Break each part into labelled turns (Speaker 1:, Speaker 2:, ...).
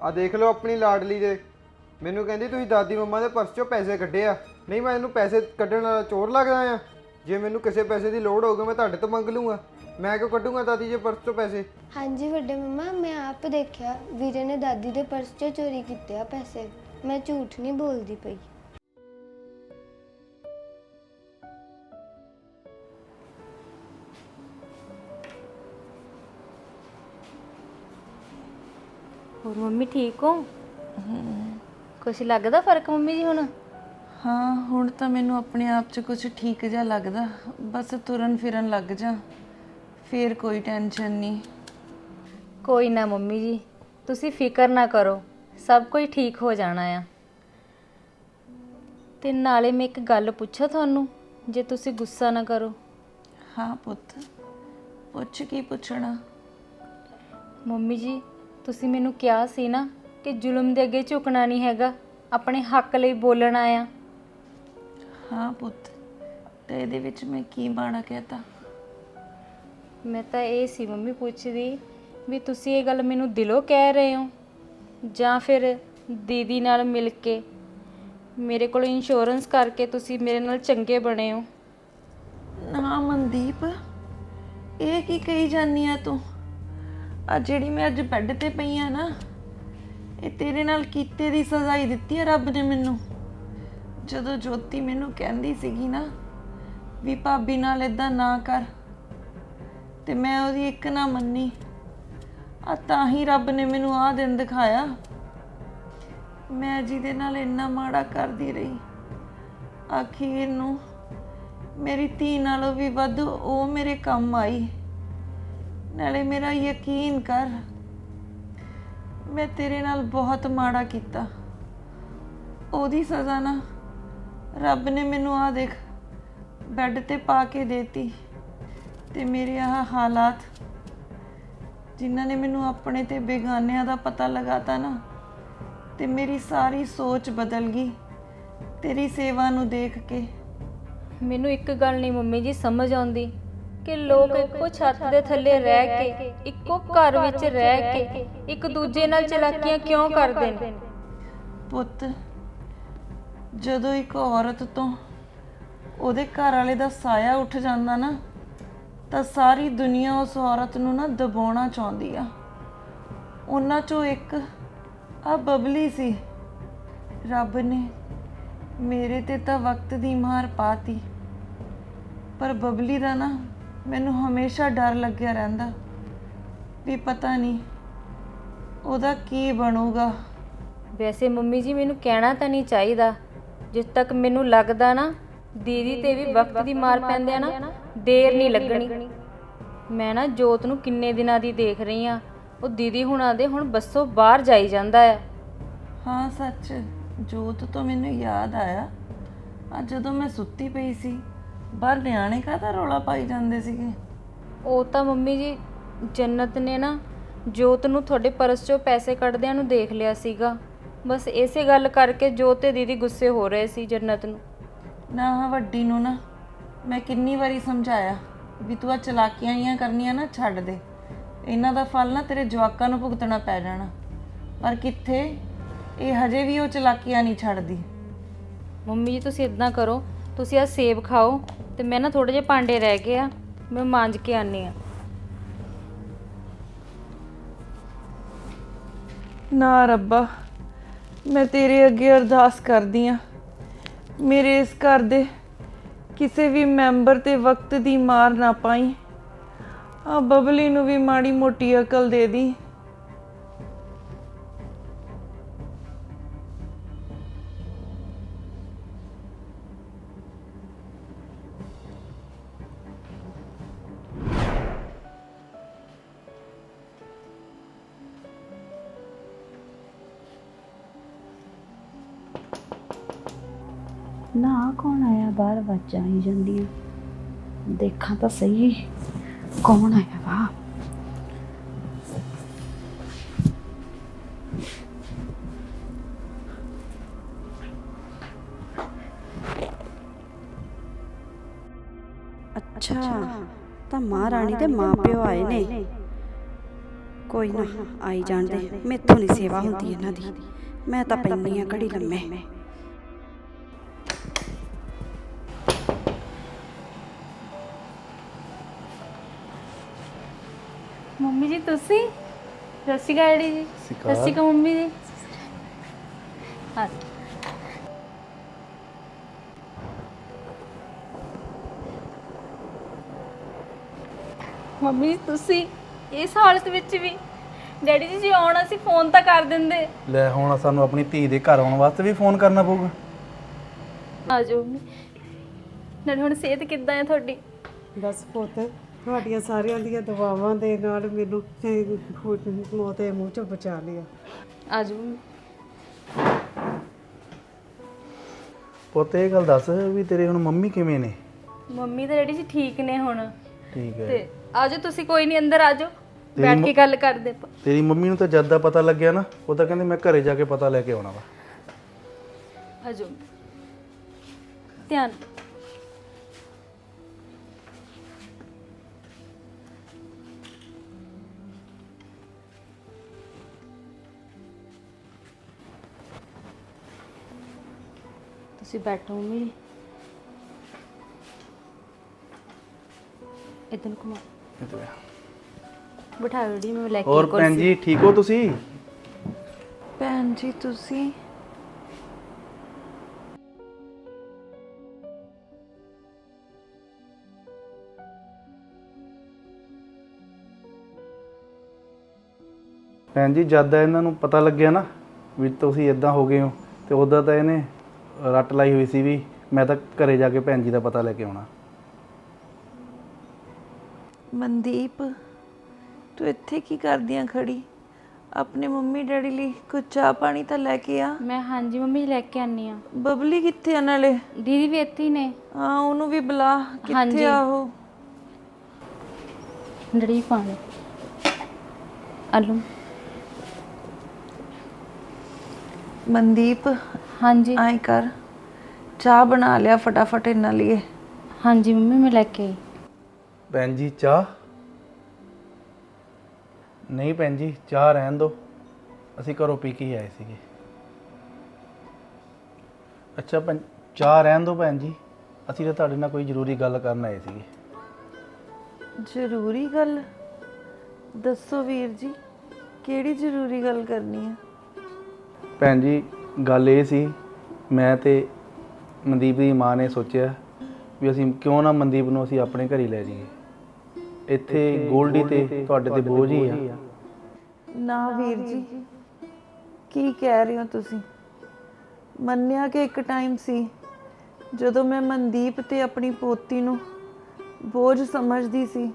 Speaker 1: ਆ ਦੇਖ ਲਓ ਆਪਣੀ ਲਾਡਲੀ ਦੇ। ਮੈਨੂੰ ਕਹਿੰਦੀ ਤੁਸੀਂ ਦਾਦੀ ਮੰਮਾ ਦੇ ਪਰਸ 'ਚੋਂ ਪੈਸੇ ਕੱਢੇ ਆ। ਨਹੀਂ ਮੈਂ ਇਹਨੂੰ ਪੈਸੇ ਕੱਢਣ ਵਾਲਾ ਚੋਰ ਲੱਗਦਾ ਆ? ਜੇ ਮੈਨੂੰ ਕਿਸੇ ਪੈਸੇ ਦੀ ਲੋੜ ਹੋਊਗੀ ਮੈਂ ਤੁਹਾਡੇ ਤੋਂ ਮੰਗ ਲੂੰਗਾ। ਮੈਂ ਕਿਉਂ ਕੱਢੂੰਗਾ ਦਾਦੀ ਦੇ ਪਰਸ 'ਚੋਂ ਪੈਸੇ?
Speaker 2: ਹਾਂਜੀ ਵੱਡੇ ਮੰਮਾ, ਮੈਂ ਆਪ ਦੇਖਿਆ ਵੀਰੇ ਨੇ ਦਾਦੀ ਦੇ ਪਰਸ 'ਚੋਂ ਚੋਰੀ ਕੀਤੇ ਆ ਪੈਸੇ। ਮੈਂ ਝੂਠ ਨਹੀਂ ਬੋਲਦੀ ਪਈ।
Speaker 3: ਹੋਰ ਮੰਮੀ ਠੀਕ ਹੋ? ਕੁਛ ਲੱਗਦਾ ਫਰਕ ਮੰਮੀ ਜੀ ਹੁਣ?
Speaker 4: ਹਾਂ ਹੁਣ ਤਾਂ ਮੈਨੂੰ ਆਪਣੇ ਆਪ 'ਚ ਕੁਝ ਠੀਕ ਜਿਹਾ ਲੱਗਦਾ। ਬਸ ਤੁਰਨ ਫਿਰਨ ਲੱਗ ਜਾ, ਫੇਰ ਕੋਈ ਟੈਨਸ਼ਨ ਨਹੀਂ।
Speaker 3: ਕੋਈ ਨਾ ਮੰਮੀ ਜੀ, ਤੁਸੀਂ ਫਿਕਰ ਨਾ ਕਰੋ, ਸਭ ਕੁਝ ਠੀਕ ਹੋ ਜਾਣਾ ਆ। ਤੇ ਨਾਲੇ ਮੈਂ ਇੱਕ ਗੱਲ ਪੁੱਛਾਂ ਤੁਹਾਨੂੰ, ਜੇ ਤੁਸੀਂ ਗੁੱਸਾ ਨਾ ਕਰੋ।
Speaker 4: ਹਾਂ ਪੁੱਤ, ਪੁੱਛ ਕੀ ਪੁੱਛਣਾ।
Speaker 3: ਮੰਮੀ ਜੀ ਤੁਸੀਂ ਮੈਨੂੰ ਕਿਹਾ ਸੀ ਨਾ ਕਿ ਜ਼ੁਲਮ ਦੇ ਅੱਗੇ ਝੁਕਣਾ ਨਹੀਂ ਹੈਗਾ, ਆਪਣੇ ਹੱਕ ਲਈ ਬੋਲਣਾ ਆ।
Speaker 4: ਹਾਂ ਪੁੱਤ, ਤੇ ਇਹਦੇ ਵਿੱਚ ਮੈਂ ਕੀ ਮਾੜਾ ਕਹਿਤਾ?
Speaker 3: ਮੈਂ ਤਾਂ ਇਹ ਸੀ ਮੰਮੀ ਪੁੱਛਦੀ ਵੀ ਤੁਸੀਂ ਇਹ ਗੱਲ ਮੈਨੂੰ ਦਿਲੋਂ ਕਹਿ ਰਹੇ ਹੋ ਜਾਂ ਫਿਰ ਦੀਦੀ ਨਾਲ ਮਿਲ ਕੇ ਮੇਰੇ ਕੋਲ ਇੰਸ਼ੋਰੈਂਸ ਕਰਕੇ ਤੁਸੀਂ ਮੇਰੇ ਨਾਲ ਚੰਗੇ ਬਣੇ ਹੋ?
Speaker 4: ਨਾ ਮਨਦੀਪ, ਇਹ ਕੀ ਕਹੀ ਜਾਨੀ ਆ ਤੂੰ? ਆ ਜਿਹੜੀ ਮੈਂ ਅੱਜ ਬੈੱਡ ਤੇ ਪਈ ਆ ਨਾ, ਇਹ ਤੇਰੇ ਨਾਲ ਕੀਤੇ ਦੀ ਸਜ਼ਾ ਹੀ ਦਿੱਤੀ ਆ ਰੱਬ ਨੇ ਮੈਨੂੰ। ਜਦੋਂ ਜੋਤੀ ਮੈਨੂੰ ਕਹਿੰਦੀ ਸੀਗੀ ਨਾ ਵੀ ਭਾਬੀ ਨਾਲ ਇਦਾਂ ਨਾ ਕਰ, ਤੇ ਮੈਂ ਉਹਦੀ ਇੱਕ ਨਾ ਮੰਨੀ। ਆ ਤਾਂ ਹੀ ਰੱਬ ਨੇ ਮੈਨੂੰ ਆਹ ਦਿਨ ਦਿਖਾਇਆ। ਮੈਂ ਜਿਹਦੇ ਨਾਲ ਇੰਨਾ ਮਾੜਾ ਕਰਦੀ ਰਹੀ, ਆਖੀਰ ਨੂੰ ਮੇਰੀ ਧੀ ਨਾਲੋਂ ਵੀ ਵੱਧ ਉਹ ਮੇਰੇ ਕੰਮ ਆਈ। ਨਾਲੇ ਮੇਰਾ ਯਕੀਨ ਕਰ, ਮੈਂ ਤੇਰੇ ਨਾਲ ਬਹੁਤ ਮਾੜਾ ਕੀਤਾ। ਉਹਦੀ ਸਜ਼ਾ ਨਾ ਰੱਬ ਨੇ ਮੈਨੂੰ ਆ ਦੇਖ ਬੈੱਡ ਤੇ ਪਾ ਕੇ ਦੇਤੀ। ਤੇ ਮੇਰੇ ਆਹ ਹਾਲਾਤ, ਜਿਨ੍ਹਾਂ ਨੇ ਮੈਨੂੰ ਆਪਣੇ ਤੇ ਬੇਗਾਨਿਆਂ ਦਾ ਪਤਾ ਲਗਾਤਾ ਨਾ, ਤੇ ਮੇਰੀ ਸਾਰੀ ਸੋਚ ਬਦਲ ਗਈ ਤੇਰੀ ਸੇਵਾ ਨੂੰ ਦੇਖ ਕੇ।
Speaker 3: ਮੈਨੂੰ ਇੱਕ ਗੱਲ ਨਹੀਂ ਮੰਮੀ ਜੀ ਸਮਝ ਆਉਂਦੀ ਕਿ ਲੋਕ ਇੱਕੋ ਛੱਤ ਦੇ ਥੱਲੇ ਰਹਿ ਕੇ, ਇੱਕੋ ਘਰ ਵਿੱਚ ਰਹਿ ਕੇ ਇੱਕ ਦੂਜੇ ਨਾਲ ਚਲਾਕੀਆਂ ਕਿਉਂ ਕਰਦੇ ਨੇ?
Speaker 4: ਪੁੱਤ, ਜਦੋਂ ਇੱਕ ਔਰਤ ਤੋਂ ਉਹਦੇ ਘਰ ਵਾਲੇ ਦਾ ਸਾਇਆ ਉੱਠ ਜਾਂਦਾ ਨਾ, ਤਾਂ ਸਾਰੀ ਦੁਨੀਆ ਉਸ ਔਰਤ ਨੂੰ ਨਾ ਦਬਾਉਣਾ ਚਾਹੁੰਦੀ ਆ। ਉਹਨਾਂ ਚੋਂ ਇੱਕ ਆ ਬਬਲੀ ਸੀ। ਰੱਬ ਨੇ ਮੇਰੇ ਤੇ ਤਾਂ ਵਕਤ ਦੀ ਮਾਰ ਪਾਤੀ, ਪਰ ਬਬਲੀ ਦਾ ਨਾ ਮੈਨੂੰ ਹਮੇਸ਼ਾ ਡਰ ਲੱਗਿਆ ਰਹਿੰਦਾ ਵੀ ਪਤਾ ਨਹੀਂ ਉਹਦਾ ਕੀ ਬਣੂਗਾ।
Speaker 3: ਵੈਸੇ ਮੰਮੀ ਜੀ ਮੈਨੂੰ ਕਹਿਣਾ ਤਾਂ ਨਹੀਂ ਚਾਹੀਦਾ, ਜਿਸ ਤੱਕ ਮੈਨੂੰ ਲੱਗਦਾ ਨਾ ਦੀਦੀ ਤੇ ਵੀ ਵਕਤ ਦੀ ਮਾਰ ਪੈਂਦੇ ਆ ਨਾ, ਦੇਰ ਨਹੀਂ ਲੱਗਣੀ। ਮੈਂ ਨਾ ਜੋਤ ਨੂੰ ਕਿੰਨੇ ਦਿਨਾਂ ਦੀ ਦੇਖ ਰਹੀ ਆ, ਉਹ ਦੀਦੀ ਹੁਣਾਂ ਦੇ ਹੁਣ ਬੱਸੋਂ ਬਾਹਰ ਜਾਈ ਜਾਂਦਾ ਆ।
Speaker 4: ਹਾਂ ਸੱਚ, ਜੋਤ ਤੋਂ ਮੈਨੂੰ ਯਾਦ ਆਇਆ, ਅੱਜ ਜਦੋਂ ਮੈਂ ਸੁੱਤੀ ਪਈ ਸੀ ਬਾਹਰ ਨਿਆਣੇ ਕਾਹਦਾ ਰੌਲਾ ਪਾਈ ਜਾਂਦੇ ਸੀਗੇ।
Speaker 3: ਉਹ ਤਾਂ ਮੰਮੀ ਜੀ ਜੰਨਤ ਨੇ ਨਾ ਜੋਤ ਨੂੰ ਤੁਹਾਡੇ ਪਰਸ 'ਚੋਂ ਪੈਸੇ ਕੱਢਦਿਆਂ ਨੂੰ ਦੇਖ ਲਿਆ ਸੀਗਾ। ਬਸ ਇਸੇ ਗੱਲ ਕਰਕੇ ਜੋਤ ਤੇ ਦੀਦੀ ਗੁੱਸੇ ਹੋ ਰਹੇ ਸੀ ਜੰਨਤ ਨੂੰ।
Speaker 4: ਨਾ ਵੱਡੀ ਨੂੰ ਨਾ ਮੈਂ ਕਿੰਨੀ ਵਾਰੀ ਸਮਝਾਇਆ ਵੀ ਤੂੰ ਆ ਚਲਾਕੀਆਂ ਜੀਆਂ ਕਰਨੀਆਂ ਨਾ ਛੱਡ ਦੇ, ਇਹਨਾਂ ਦਾ ਫਲ ਨਾ ਤੇਰੇ ਜਵਾਕਾਂ ਨੂੰ ਭੁਗਤਣਾ ਪੈ ਜਾਣਾ। ਪਰ ਕਿੱਥੇ, ਇਹ ਹਜੇ ਵੀ ਉਹ ਚਲਾਕੀਆਂ ਨਹੀਂ ਛੱਡਦੀ।
Speaker 3: ਮੰਮੀ ਜੀ ਤੁਸੀਂ ਇਦਾਂ ਕਰੋ, ਤੁਸੀਂ ਆ ਸੇਬ ਖਾਓ ਤੇ ਮੈਂ ਨਾ ਥੋੜੇ ਜਿਹੇ ਭਾਂਡੇ ਰਹਿ ਗਏ ਆ, ਮੈਂ ਮਾਂਜ ਕੇ ਆਨੀ ਆ।
Speaker 4: ਨਾ ਰੱਬਾ, ਮੈਂ ਤੇਰੇ ਅੱਗੇ ਅਰਦਾਸ ਕਰਦੀ ਆ, ਮੇਰੇ ਇਸ ਘਰ ਦੇ ਕਿਸੇ ਵੀ ਮੈਂਬਰ ਤੇ ਵਕਤ ਦੀ ਮਾਰ ਨਾ ਪਾਈ। ਆ ਬਬਲੀ ਨੂੰ ਵੀ ਮਾੜੀ ਮੋਟੀ ਅਕਲ ਦੇ ਦੀ।
Speaker 5: ਨਾ ਕੌਣ ਆਇਆ? ਬਾਹਰ ਆਵਾਜ਼ਾਂ ਆਈ ਜਾਂਦੀਆਂ, ਦੇਖਾਂ ਤਾਂ ਸਹੀ ਕੌਣ ਆਇਆ ਵਾ। ਅੱਛਾ, ਤਾਂ ਮਹਾਰਾਣੀ ਦੇ ਮਾਂ ਪਿਓ ਆਏ ਨੇ। ਕੋਈ ਨਾ ਆਈ ਜਾਣ ਦੇ, ਮੈਥੋਂ ਨਹੀਂ ਸੇਵਾ ਹੁੰਦੀ ਇਹਨਾਂ ਦੀ। ਮੈਂ ਤਾਂ ਪੈਂਦੀ ਆ ਘੜੀ ਲੰਮੇ।
Speaker 3: ਮੰਮੀ ਜੀ ਤੁਸੀਂ? ਸਤਿ ਸ਼੍ਰੀ ਅਕਾਲ ਡੈਡੀ ਜੀ। ਸਤਿ ਸ਼੍ਰੀ ਅਕਾਲ ਮੰਮੀ ਜੀ। ਹਾਂ ਮੰਮੀ ਜੀ ਤੁਸੀਂ ਇਸ ਹਾਲਤ ਵਿੱਚ ਵੀ? ਡੈਡੀ ਜੀ ਜੇ ਆਉਣਾ ਸੀ ਫੋਨ ਤਾਂ ਕਰ ਦਿੰਦੇ।
Speaker 6: ਲੈ ਹੁਣ ਸਾਨੂੰ ਆਪਣੀ ਧੀ ਦੇ ਘਰ ਆਉਣ ਵਾਸਤੇ ਵੀ ਫੋਨ ਕਰਨਾ ਪਊਗਾ?
Speaker 3: ਆ ਜਾਓ ਮੰਮੀ। ਨਾਲੇ ਹੁਣ ਸਿਹਤ ਕਿੱਦਾਂ ਹੈ ਤੁਹਾਡੀ?
Speaker 7: ਬਸ ਪੁੱਤ, ਤੁਹਾਡੀਆਂ ਸਾਰਿਆਂ ਦੀਆਂ ਦੁਆਵਾਂ ਦੇ ਨਾਲ ਮੈਨੂੰ ਮੌਤ ਦੇ ਮੂੰਹ ਚੋਂ ਬਚਾ ਲਿਆ।
Speaker 3: ਆ ਜਾਓ ਮੰਮੀ।
Speaker 6: ਪੁੱਤ ਇਹ ਗੱਲ ਦੱਸ ਵੀ ਤੇਰੇ ਹੁਣ ਮੰਮੀ ਕਿਵੇਂ ਨੇ?
Speaker 3: ਮੰਮੀ ਤਾਂ ਡੈਡੀ ਜੀ ਠੀਕ ਨੇ ਹੁਣ।
Speaker 6: ਠੀਕ ਹੈ।
Speaker 3: ਤੇ ਆ ਜਾਓ ਤੁਸੀਂ, ਕੋਈ ਨਹੀਂ ਅੰਦਰ ਆ ਜਾਓ, ਬੈਠ ਕੇ ਗੱਲ ਕਰਦੇ ਆਪਾਂ।
Speaker 6: ਤੇਰੀ ਮੰਮੀ ਨੂੰ ਤਾਂ ਜਦ ਦਾ ਪਤਾ ਲੱਗਿਆ ਨਾ, ਉਹ ਤਾਂ ਕਹਿੰਦੇ ਮੈਂ ਘਰੇ ਜਾ ਕੇ ਪਤਾ ਲੈ ਕੇ ਆਉਣਾ ਵਾ।
Speaker 3: ਆ ਜਾਓ ਧਿਆਨ। ਤੁਸੀਂ ਬੈਠੋ ਮੰਮੀ ਜੀ। ਇਦਾਂ ਘੁਮਾ ਬਿਠਾਓ ਜੀ, ਮੈਂ ਲੈ ਕੇ
Speaker 6: ਹੋਰ ਭੈਣ ਜੀ ਠੀਕ ਹੋ ਤੁਸੀਂ?
Speaker 4: ਭੈਣ ਜੀ ਤੁਸੀਂ?
Speaker 6: ਭੈਣ ਜੀ ਜਦ ਦਾ ਇਹਨਾਂ ਨੂੰ ਪਤਾ ਲੱਗਿਆ ਨਾ ਵੀ ਤੁਸੀਂ ਇਦਾਂ ਹੋ ਗਏ ਹੋ, ਤੇ ਉਦੋਂ ਤਾਂ ਇਹਨੇ ਰੱਟ ਲਾਈ ਹੋਈ ਸੀ ਵੀ ਮੈਂ ਤਾਂ ਘਰੇ ਜਾ ਕੇ ਭੈਣ ਜੀ ਦਾ ਪਤਾ ਲੈ ਕੇ ਆਉਣਾ।
Speaker 4: ਮਨਦੀਪ, ਤੂੰ ਇੱਥੇ ਕੀ ਕਰਦੀਆਂ ਖੜੀ? ਆਪਣੇ ਮੰਮੀ ਡੈਡੀ ਲਈ ਕੁਝ ਚਾਹ ਪਾਣੀ ਤਾਂ ਲੈ ਕੇ ਆ।
Speaker 3: ਮੈਂ ਹਾਂਜੀ ਮੰਮੀ ਲੈ ਕੇ ਆਨੀ ਆ।
Speaker 4: ਬਬਲੀ ਕਿੱਥੇ ਆ? ਨਾਲੇ
Speaker 3: ਦੀਦੀ ਵੀ ਇੱਥੇ ਹੀ ਨੇ।
Speaker 4: ਹਾਂ ਉਹਨੂੰ ਵੀ ਬੁਲਾ। ਕਿੱਥੇ ਆ ਉਹ?
Speaker 3: ਡੜੀ ਪਾਣੀ ਆਲੂ।
Speaker 4: ਮਨਦੀਪ
Speaker 3: ਹਾਂਜੀ
Speaker 4: ਆਏ ਕਰ, ਚਾਹ ਬਣਾ ਲਿਆ ਫਟਾਫਟ ਇਹਨਾਂ ਲਈ।
Speaker 3: ਹਾਂਜੀ ਮੰਮੀ ਮੈਂ ਲੈ ਕੇ ਆਈ।
Speaker 6: ਭੈਣ ਜੀ ਚਾਹ? ਨਹੀਂ ਭੈਣ ਜੀ ਚਾਹ ਰਹਿਣ ਦਿਓ, ਅਸੀਂ ਘਰੋਂ ਪੀ ਕੇ ਹੀ ਆਏ ਸੀਗੇ। ਅੱਛਾ ਭੈਣ ਚਾਹ ਰਹਿਣ ਦਿਓ ਭੈਣ ਜੀ, ਅਸੀਂ ਤਾਂ ਤੁਹਾਡੇ ਨਾਲ ਕੋਈ ਜ਼ਰੂਰੀ ਗੱਲ ਕਰਨ ਆਏ ਸੀਗੇ।
Speaker 4: ਜ਼ਰੂਰੀ ਗੱਲ? ਦੱਸੋ ਵੀਰ ਜੀ, ਕਿਹੜੀ ਜ਼ਰੂਰੀ ਗੱਲ ਕਰਨੀ ਆ?
Speaker 6: ਭੈਣ ਜੀ ਗੱਲ ਇਹ ਸੀ, ਮੈਂ ਤੇ ਮਨਦੀਪ ਦੀ ਮਾਂ ਨੇ ਸੋਚਿਆ ਵੀ ਅਸੀਂ ਕਿਉਂ ਨਾ ਮਨਦੀਪ ਨੂੰ ਅਸੀਂ ਆਪਣੇ ਘਰ ਹੀ ਲੈ ਜਾਈਏ। ਇੱਥੇ ਗੋਲਡੀ ਤੇ ਤੁਹਾਡੇ ਤੇ ਬੋਝ ਹੀ ਆ।
Speaker 4: ਨਾ ਵੀਰ ਜੀ, ਕੀ ਕਹਿ ਰਹੇ ਹੋ ਤੁਸੀਂ? ਮੰਨਿਆ ਕਿ ਇੱਕ ਟਾਈਮ ਸੀ ਜਦੋਂ ਮੈਂ ਮਨਦੀਪ ਤੇ ਆਪਣੀ ਪੋਤੀ ਨੂੰ ਬੋਝ ਸਮਝਦੀ ਸੀ,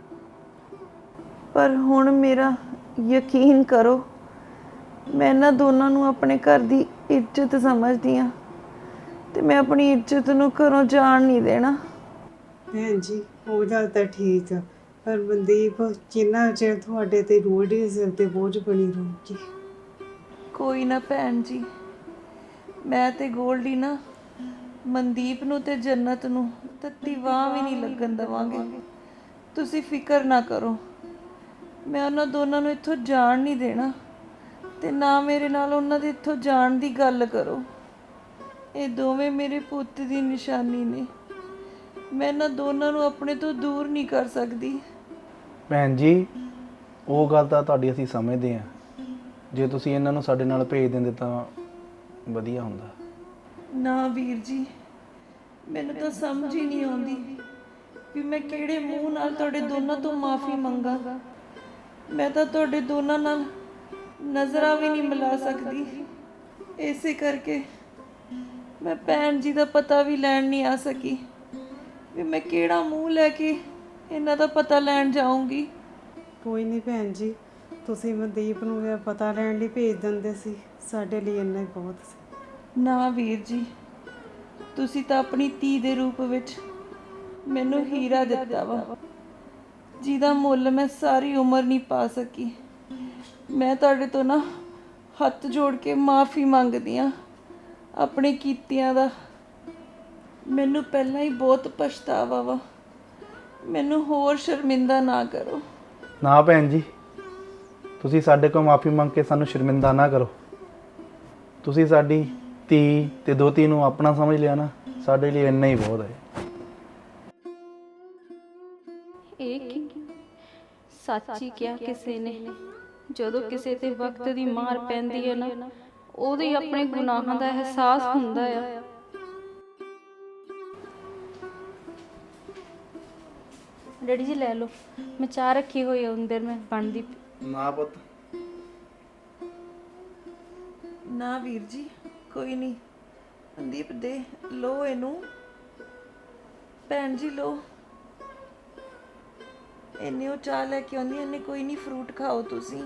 Speaker 4: ਪਰ ਹੁਣ ਮੇਰਾ ਯਕੀਨ ਕਰੋ, ਮੈਂ ਇਹਨਾਂ ਦੋਨਾਂ ਨੂੰ ਆਪਣੇ ਘਰ ਦੀ ਇੱਜ਼ਤ ਸਮਝਦੀ ਹਾਂ ਤੇ ਮੈਂ ਆਪਣੀ ਇੱਜ਼ਤ ਨੂੰ ਘਰੋਂ ਜਾਣ ਨਹੀਂ ਦੇਣਾ।
Speaker 7: ਭੈਣ ਜੀ ਉਹ ਗੱਲ ਤਾਂ ਠੀਕ ਆ, ਪਰ ਮਨਦੀਪ ਜਿੰਨਾ ਚਿਰ ਤੁਹਾਡੇ ਤੇ ਗੋਲਡੀ ਦੇ ਸਿਰ ਤੇ ਬੋਝ ਬਣੀ ਰਹੂਗੀ।
Speaker 4: ਕੋਈ ਨਾ ਭੈਣ ਜੀ, ਮੈਂ ਤੇ ਗੋਲਡੀ ਨਾ ਮਨਦੀਪ ਨੂੰ ਤੇ ਜੰਨਤ ਨੂੰ ਤੱਤੀ ਵਾਹ ਵੀ ਨਹੀਂ ਲੱਗਣ ਦੇਵਾਂਗੇ। ਤੁਸੀਂ ਫਿਕਰ ਨਾ ਕਰੋ, ਮੈਂ ਉਹਨਾਂ ਦੋਨਾਂ ਨੂੰ ਇੱਥੋਂ ਜਾਣ ਨਹੀਂ ਦੇਣਾ ਤੇ ਨਾ ਮੇਰੇ ਨਾਲ ਉਹਨਾਂ ਦੇ ਇੱਥੋਂ ਜਾਣ ਦੀ ਗੱਲ ਕਰੋ। ਇਹ ਦੋਵੇਂ ਮੇਰੇ ਪੁੱਤ ਦੀ ਨਿਸ਼ਾਨੀ ਨੇ, ਮੈਂ ਇਹਨਾਂ ਦੋਨਾਂ ਨੂੰ ਆਪਣੇ ਤੋਂ ਦੂਰ ਨਹੀਂ ਕਰ ਸਕਦੀ।
Speaker 6: ਭੈਣ ਜੀ ਉਹ ਗੱਲ ਤਾਂ ਤੁਹਾਡੀ ਅਸੀਂ ਸਮਝਦੇ ਹਾਂ, ਜੇ ਤੁਸੀਂ ਇਹਨਾਂ ਨੂੰ ਸਾਡੇ ਨਾਲ ਭੇਜ ਦਿੰਦੇ ਤਾਂ ਵਧੀਆ ਹੁੰਦਾ।
Speaker 4: ਨਾ ਵੀਰ ਜੀ, ਮੈਨੂੰ ਤਾਂ ਸਮਝ ਹੀ ਨਹੀਂ ਆਉਂਦੀ ਵੀ ਮੈਂ ਕਿਹੜੇ ਮੂੰਹ ਨਾਲ ਤੁਹਾਡੇ ਦੋਨਾਂ ਤੋਂ ਮਾਫੀ ਮੰਗਾ। ਮੈਂ ਤਾਂ ਤੁਹਾਡੇ ਦੋਨਾਂ ਨਾਲ ਨਜ਼ਰਾਂ ਵੀ ਨਹੀਂ ਮਿਲਾ ਸਕਦੀ, ਇਸੇ ਕਰਕੇ ਮੈਂ ਭੈਣ ਜੀ ਦਾ ਪਤਾ ਵੀ ਲੈਣ ਨਹੀਂ ਆ ਸਕੀ ਵੀ ਮੈਂ ਕਿਹੜਾ ਮੂੰਹ ਲੈ ਕੇ ਇਹਨਾਂ ਦਾ ਪਤਾ ਲੈਣ ਜਾਊਂਗੀ।
Speaker 7: ਕੋਈ ਨਹੀਂ ਭੈਣ ਜੀ, ਤੁਸੀਂ ਮਨਦੀਪ ਨੂੰ ਇਹ ਪਤਾ ਲੈਣ ਲਈ ਭੇਜ ਦਿੰਦੇ ਸੀ, ਸਾਡੇ ਲਈ ਇੰਨਾ ਹੀ ਬਹੁਤ ਸੀ।
Speaker 4: ਨਾ ਵੀਰ ਜੀ, ਤੁਸੀਂ ਤਾਂ ਆਪਣੀ ਧੀ ਦੇ ਰੂਪ ਵਿੱਚ ਮੈਨੂੰ ਹੀਰਾ ਦਿੱਤਾ ਵਾ, ਜਿਹਦਾ ਮੁੱਲ ਮੈਂ ਸਾਰੀ ਉਮਰ ਨਹੀਂ ਪਾ ਸਕੀ। ਮੈਂ ਤੁਹਾਡੇ ਤੋਂ ਨਾ ਹੱਥ ਜੋੜ ਕੇ ਮਾਫੀ ਮੰਗਦੀ ਹਾਂ ਆਪਣੇ ਕੀਤਿਆਂ ਦਾ। ਮੈਨੂੰ ਪਹਿਲਾਂ ਹੀ ਬਹੁਤ ਪਛਤਾਵਾ ਵਾ, ਮੈਨੂੰ ਹੋਰ ਸ਼ਰਮਿੰਦਾ ਨਾ ਕਰੋ।
Speaker 6: ਨਾ ਭੈਣ ਜੀ, ਤੁਸੀਂ ਸਾਡੇ ਕੋਲ ਮਾਫੀ ਮੰਗ ਕੇ ਸਾਨੂੰ ਸ਼ਰਮਿੰਦਾ ਨਾ ਕਰੋ। ਤੁਸੀਂ ਸਾਡੀ ਧੀ ਤੇ ਦੋਤੀ ਨੂੰ ਆਪਣਾ ਸਮਝ ਲਿਆ ਨਾ, ਸਾਡੇ ਲਈ ਇੰਨਾ ਹੀ ਬਹੁਤ ਹੈ।
Speaker 3: ਇਹ ਕੀ ਸੱਚ ਹੀ ਕਿਹਾ ਕਿਸੇ ਨੇ, ਜਦੋਂ ਕਿਸੇ ਤੇ ਵਕਤ ਦੀ ਮਾਰ ਪੈਂਦੀ ਹੈ ਨਾ, ਉਹਦੇ ਆਪਣੇ ਗੁਨਾਹਾਂ ਦਾ ਅਹਿਸਾਸ ਹੁੰਦਾ ਆ। ਡੈਡੀ ਜੀ ਲੈ ਲਓ, ਮੈਂ ਚਾਹ ਰੱਖੀ ਹੋਈ ਹੈ ਅੰਦਰ, ਮੈਂ ਬਣਦੀ।
Speaker 6: ਨਾ ਪੁੱਤ,
Speaker 4: ਨਾ ਵੀਰ ਜੀ, ਕੋਈ ਨਹੀਂ। ਮਨਦੀਪ ਦੇ ਲੋ ਇਹਨੂੰ। ਭੈਣ ਜੀ ਲੋ, ਇਹਨੇ ਉਹ ਚਾਹ ਲੈ ਕੇ ਆਉਂਦੀ, ਇਹਨੇ ਕੋਈ ਨਹੀਂ, ਫਰੂਟ ਖਾਓ ਤੁਸੀਂ।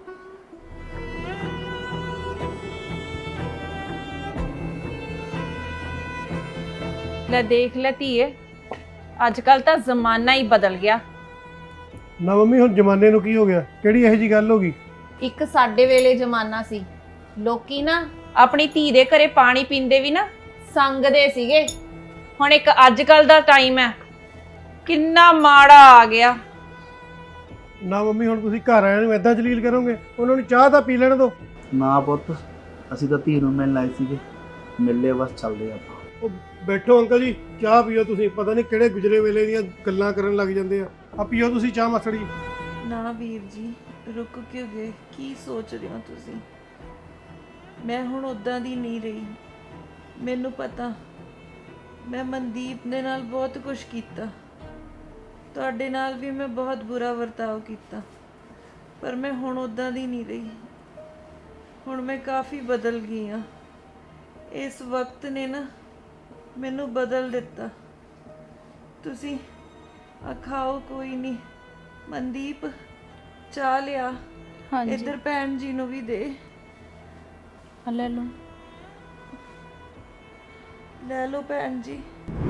Speaker 8: ਲੈ ਦੇਖ ਲੈ ਧੀਏ, ਅੱਜ ਕੱਲ ਤਾਂ ਜ਼ਮਾਨਾ ਹੀ ਬਦਲ ਗਿਆ।
Speaker 9: ਨਾ ਮੰਮੀ, ਹੁਣ ਜ਼ਮਾਨੇ ਨੂੰ ਕੀ ਹੋ ਗਿਆ? ਕਿਹੜੀ ਇਹੋ ਜੀ ਗੱਲ ਹੋ ਗਈ?
Speaker 8: ਇੱਕ ਸਾਡੇ ਵੇਲੇ ਜ਼ਮਾਨਾ ਸੀ, ਲੋਕੀ ਨਾ ਆਪਣੀ ਧੀ ਦੇ ਘਰੇ ਪਾਣੀ ਪੀਂਦੇ ਵੀ ਨਾ ਸੰਗਦੇ ਸੀਗੇ। ਹੁਣ ਇੱਕ ਅੱਜ ਕੱਲ ਦਾ ਟਾਈਮ ਹੈ, ਕਿੰਨਾ ਮਾੜਾ ਆ ਗਿਆ।
Speaker 9: ਨਾ ਮੰਮੀ, ਹੁਣ ਤੁਸੀਂ ਘਰ ਆਇਆਂ ਨੂੰ ਐਦਾਂ ਜਲੀਲ ਕਰੋਗੇ? ਉਹਨਾਂ ਨੂੰ ਚਾਹ ਤਾਂ ਪੀ ਲੈਣ ਦਿਓ।
Speaker 6: ਨਾ ਪੁੱਤ, ਅਸੀਂ ਤਾਂ ਧੀ ਨੂੰ ਮਿਲਣ ਆਏ ਸੀਗੇ, ਮਿਲੇ ਬਸ ਚੱਲਦੇ ਆਪਾਂ।
Speaker 9: ਉਹ ਬੈਠੋ ਅੰਕਲ ਜੀ, ਚਾਹ ਪੀਓ ਤੁਸੀਂ। ਪਤਾ ਨਹੀਂ ਕਿਹੜੇ ਗੁਜਰੇ ਵੇਲੇ ਦੀਆਂ ਗੱਲਾਂ ਕਰਨ ਲੱਗ ਜਾਂਦੇ ਆ ਪੀਓ ਤੁਸੀਂ ਚਾਹ ਮਾਸੜ ਜੀ।
Speaker 4: ਨਾ ਵੀਰ ਜੀ, ਰੁਕ ਕਿਉਂ ਗਏ? ਕੀ ਸੋਚ ਰਹੇ ਹੋ ਤੁਸੀਂ? ਮੈਂ ਹੁਣ ਉਦਾਂ ਦੀ ਨਹੀਂ ਰਹੀ। ਮੈਨੂੰ ਪਤਾ, ਮੈਂ ਮਨਦੀਪ ਦੇ ਨਾਲ ਬਹੁਤ ਕੁਝ ਕੀਤਾ, ਤੁਹਾਡੇ ਨਾਲ ਵੀ ਮੈਂ ਬਹੁਤ ਬੁਰਾ ਵਰਤਾਓ ਕੀਤਾ, ਪਰ ਮੈਂ ਹੁਣ ਉਦਾਂ ਦੀ ਨਹੀਂ ਰਹੀ। ਹੁਣ ਮੈਂ ਕਾਫੀ ਬਦਲ ਗਈ ਹਾਂ। ਇਸ ਵਕਤ ਨੇ ਨਾ ਮੈਨੂੰ ਬਦਲ ਦਿੱਤਾ। ਤੁਸੀਂ ਖਾਓ, ਕੋਈ ਨਹੀਂ। ਮਨਦੀਪ, ਚਾਹ ਲਿਆ।
Speaker 3: ਹਾਂਜੀ
Speaker 4: ਇੱਧਰ ਭੈਣ ਜੀ ਨੂੰ ਵੀ ਦੇ।
Speaker 3: ਲੈ ਲਓ।
Speaker 4: ਲੈ ਲਓ ਭੈਣ ਜੀ।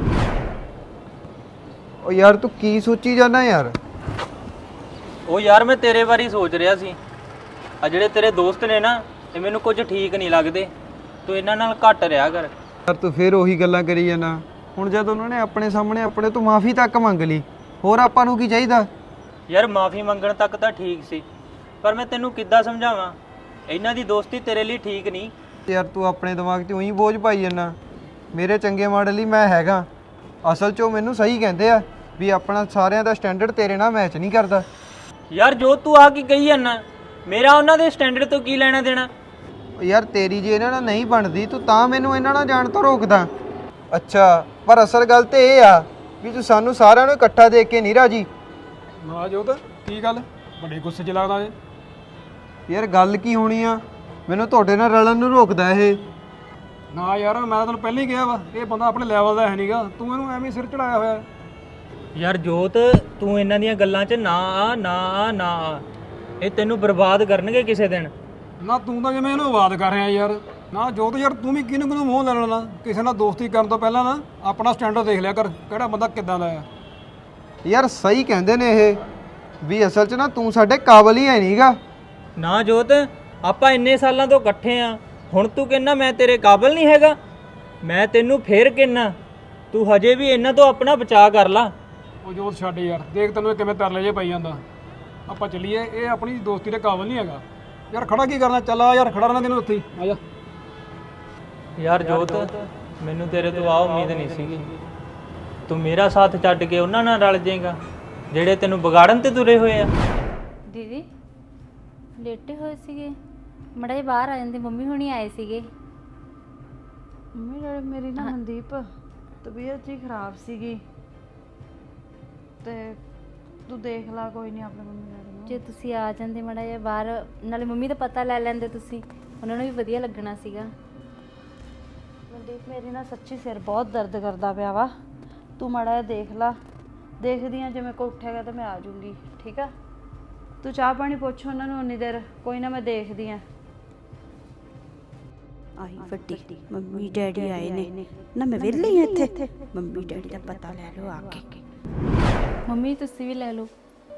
Speaker 1: ਉਹ ਯਾਰ ਤੂੰ ਕੀ ਸੋਚੀ ਜਾਂਦਾ ਯਾਰ?
Speaker 10: ਉਹ ਯਾਰ ਮੈਂ ਤੇਰੇ ਬਾਰੇ ਹੀ ਸੋਚ ਰਿਹਾ ਸੀ। ਆ ਜਿਹੜੇ ਤੇਰੇ ਦੋਸਤ ਨੇ ਨਾ, ਇਹ ਮੈਨੂੰ ਕੁਝ ਠੀਕ ਨਹੀਂ ਲੱਗਦੇ। ਤੂੰ ਇਹਨਾਂ ਨਾਲ ਘੱਟ ਰਿਹਾ ਕਰ।
Speaker 1: ਯਾਰ ਤੂੰ ਫੇਰ ਉਹੀ ਗੱਲਾਂ ਕਰੀ ਜਾਂਦਾ। ਹੁਣ ਜਦ ਉਹਨਾਂ ਨੇ ਆਪਣੇ ਸਾਹਮਣੇ ਆਪਣੇ ਤੋਂ ਮਾਫੀ ਤੱਕ ਮੰਗ ਲਈ, ਹੋਰ ਆਪਾਂ ਨੂੰ ਕੀ ਚਾਹੀਦਾ?
Speaker 10: ਯਾਰ ਮਾਫੀ ਮੰਗਣ ਤੱਕ ਤਾਂ ਠੀਕ ਸੀ, ਪਰ ਮੈਂ ਤੈਨੂੰ ਕਿੱਦਾਂ ਸਮਝਾਵਾਂ, ਇਹਨਾਂ ਦੀ ਦੋਸਤੀ ਤੇਰੇ ਲਈ ਠੀਕ ਨਹੀਂ।
Speaker 1: ਯਾਰ ਤੂੰ ਆਪਣੇ ਦਿਮਾਗ 'ਤੇ ਉਹੀ ਬੋਝ ਪਾਈ ਜਾਂਦਾ। ਮੇਰੇ ਚੰਗੇ ਮਾਡਲ ਲਈ ਮੈਂ ਹੈਗਾ। ਅਸਲ 'ਚ ਉਹ ਮੈਨੂੰ ਸਹੀ ਕਹਿੰਦੇ ਆ ਵੀ ਆਪਣਾ ਸਾਰਿਆਂ ਦਾ ਸਟੈਂਡਰਡ ਤੇਰੇ ਨਾਲ ਮੈਚ ਨਹੀਂ ਕਰਦਾ।
Speaker 10: ਯਾਰ ਜੋ ਤੂੰ ਆ ਕੀ ਕਹੀ ਜਾਂਦਾ, ਮੇਰਾ ਉਹਨਾਂ ਦੇ ਸਟੈਂਡਰਡ ਤੋਂ ਕੀ ਲੈਣਾ ਦੇਣਾ?
Speaker 1: ਯਾਰ ਤੇਰੀ ਜੇ ਇਹਨਾਂ ਨਾਲ ਨਹੀਂ ਬਣਦੀ, ਤੂੰ ਤਾਂ ਮੈਨੂੰ ਇਹਨਾਂ ਨਾਲ ਜਾਣ ਤੋਂ ਰੋਕਦਾ। ਅੱਛਾ, ਪਰ ਅਸਲ ਗੱਲ ਤੇ ਇਹ ਆ ਵੀ ਤੂੰ ਸਾਨੂੰ ਸਾਰਿਆਂ ਨੂੰ ਇਕੱਠਾ ਦੇਖ ਕੇ ਨਹੀਂ ਰਾਜੀ।
Speaker 11: ਨਾ ਜੋਤ, ਕੀ ਗੱਲ ਬੜੇ ਗੁੱਸੇ 'ਚ ਲੱਗਦਾ ਜੇ?
Speaker 1: ਯਾਰ ਗੱਲ ਕੀ ਹੋਣੀ ਆ, ਮੈਨੂੰ ਤੁਹਾਡੇ ਨਾਲ ਰਲਣ ਨੂੰ ਰੋਕਦਾ ਇਹ।
Speaker 11: ਨਾ ਯਾਰ, ਮੈਂ ਤਾਂ ਤੈਨੂੰ ਪਹਿਲਾਂ ਹੀ ਕਿਹਾ ਵਾ, ਇਹ ਬੰਦਾ ਆਪਣੇ ਲੈਵਲ ਦਾ ਹੈ ਨਹੀਂਗਾ, ਤੂੰ ਇਹਨੂੰ ਐਵੇਂ ਸਿਰ ਚੜਾਇਆ ਹੋਇਆ।
Speaker 10: ਯਾਰ ਜੋਤ, ਤੂੰ ਇਹਨਾਂ ਦੀਆਂ ਗੱਲਾਂ 'ਚ ਨਾ ਆ, ਨਾ ਆ, ਨਾ ਆ। ਇਹ ਤੈਨੂੰ ਬਰਬਾਦ ਕਰਨਗੇ ਕਿਸੇ ਦਿਨ।
Speaker 11: ਨਾ ਤੂੰ ਤਾਂ ਜਿਵੇਂ ਇਹਨੂੰ ਆਵਾਜ਼ ਕਰ ਰਿਹਾ ਯਾਰ। ਨਾ ਜੋਤ ਯਾਰ, ਤੂੰ ਵੀ ਕਿਹਨੂੰ ਕਿਹਨੂੰ ਮੂੰਹ ਲੈ ਲੈਣਾ? ਕਿਸੇ ਨਾਲ ਦੋਸਤੀ ਕਰਨ ਤੋਂ ਪਹਿਲਾਂ ਨਾ ਆਪਣਾ ਸਟੈਂਡਰਡ ਦੇਖ ਲਿਆ ਕਰ, ਕਿਹੜਾ ਬੰਦਾ ਕਿੱਦਾਂ ਦਾ ਆ।
Speaker 1: ਯਾਰ ਸਹੀ ਕਹਿੰਦੇ ਨੇ ਇਹ ਵੀ ਅਸਲ 'ਚ ਨਾ ਤੂੰ ਸਾਡੇ ਕਾਬਲ ਹੀ ਹੈ ਨਹੀਂਗਾ।
Speaker 10: ਨਾ ਜੋਤ, ਆਪਾਂ ਇੰਨੇ ਸਾਲਾਂ ਤੋਂ ਇਕੱਠੇ ਆ, ਹੁਣ ਤੂੰ ਕਹਿੰਦਾ ਮੈਂ ਤੇਰੇ ਕਾਬਲ ਨਹੀਂ ਹੈਗਾ? ਮੈਂ ਤੈਨੂੰ ਫੇਰ ਕਹਿੰਦਾ, ਤੂੰ ਹਜੇ ਵੀ ਇਹਨਾਂ ਤੋਂ ਆਪਣਾ ਬਚਾਅ ਕਰ ਲਾ।
Speaker 11: ਉਹ ਜੋਤ ਛੱਡ ਯਾਰ, ਦੇਖ ਤੈਨੂੰ ਇਹ ਕਿਵੇਂ ਤਰਲੇ ਜੇ ਪਈ ਜਾਂਦਾ। ਆਪਾਂ ਚੱਲੀਏ, ਇਹ ਆਪਣੀ ਦੋਸਤੀ ਦੇ ਕਾਬਲ ਨਹੀਂ ਹੈਗਾ। ਯਾਰ ਖੜਾ ਕੀ ਕਰਨਾ? ਚੱਲ ਆ ਯਾਰ, ਖੜਾ ਰਹਿਣਾ ਤੈਨੂੰ ਉੱਥੇ ਹੀ, ਆ ਜਾ।
Speaker 10: ਯਾਰ ਜੋਤ, ਮੈਨੂੰ ਤੇਰੇ ਤੋਂ ਆ ਉਮੀਦ ਨਹੀਂ ਸੀਗੀ। ਤੂੰ ਮੇਰਾ ਸਾਥ ਛੱਡ ਕੇ ਉਹਨਾਂ ਨਾਲ ਰਲ ਜਾਏਗਾ ਜਿਹੜੇ ਤੈਨੂੰ ਵਿਗਾੜਨ ਤੇ ਤੁਰੇ ਹੋਏ ਆ।
Speaker 3: ਦੀਦੀ ਲੇਟੇ ਹੋਏ ਸੀਗੇ, ਮੜਾ ਜਿਹਾ ਬਾਹਰ ਆ ਜਾਂਦੇ, ਮੰਮੀ ਹੁਣੀ ਆਏ ਸੀਗੇ।
Speaker 4: ਮੇਰੀ ਨਾ ਮਨਦੀਪ ਤਬੀਅਤ ਜੀ ਖਰਾਬ ਸੀਗੀ, ਤੇ ਤੂੰ ਦੇਖ ਲਾ, ਕੋਈ ਨਹੀਂ ਆਪਣੇ ਮੰਮੀ ਡੈਡੀ ਨੂੰ।
Speaker 3: ਜੇ ਤੁਸੀਂ ਆ ਜਾਂਦੇ ਮੜਾ ਜਿਹਾ ਬਾਹਰ, ਨਾਲੇ ਮੰਮੀ ਦਾ ਪਤਾ ਲੈ ਲੈਂਦੇ ਤੁਸੀਂ, ਉਹਨਾਂ ਨੂੰ ਵੀ ਵਧੀਆ ਲੱਗਣਾ ਸੀਗਾ।
Speaker 4: ਮਨਦੀਪ, ਮੇਰੀ ਨਾ ਸੱਚੀ ਸਿਰ ਬਹੁਤ ਦਰਦ ਕਰਦਾ ਪਿਆ ਵਾ, ਤੂੰ ਮਾੜਾ ਜਿਹਾ ਦੇਖ ਲਾ। ਦੇਖਦੀ ਆ, ਜੇ ਮੇਰੇ ਕੋਲ ਉੱਠੇਗਾ ਤਾਂ ਮੈਂ ਆ ਜਾਊਂਗੀ, ਠੀਕ ਆ? ਤੂੰ ਚਾਹ ਪਾਣੀ ਪੁੱਛ ਉਹਨਾਂ ਨੂੰ ਉਨੀ ਦੇਰ, ਕੋਈ ਨਾ ਮੈਂ ਦੇਖਦੀ ਆ।
Speaker 5: ਆਈ ਵੱਡੀ ਮੰਮੀ ਡੈਡੀ ਆਏ ਨੇ ਨਾ, ਮੈਂ ਵਿਹਲੀ ਹਾਂ ਇੱਥੇ। ਮੰਮੀ ਡੈਡੀ ਦਾ ਪਤਾ ਲੈ ਲਓ ਆ ਕੇ।
Speaker 3: ਮੰਮੀ ਤੁਸੀਂ ਵੀ ਲੈ ਲਓ।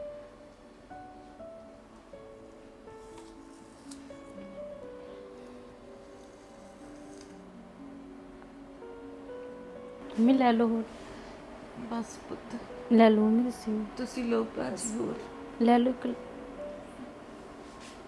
Speaker 3: ਮੰਮੀ ਲੈ ਲਓ, ਹੋਰ
Speaker 4: ਬਸ ਪੁੱਤ,
Speaker 3: ਲੈ ਲਓ ਮੰਮੀ ਤੁਸੀਂ
Speaker 4: ਤੁਸੀਂ ਲੋ ਭਾਜੀ, ਹੋਰ
Speaker 3: ਲੈ ਲਓ ਇੱਕ।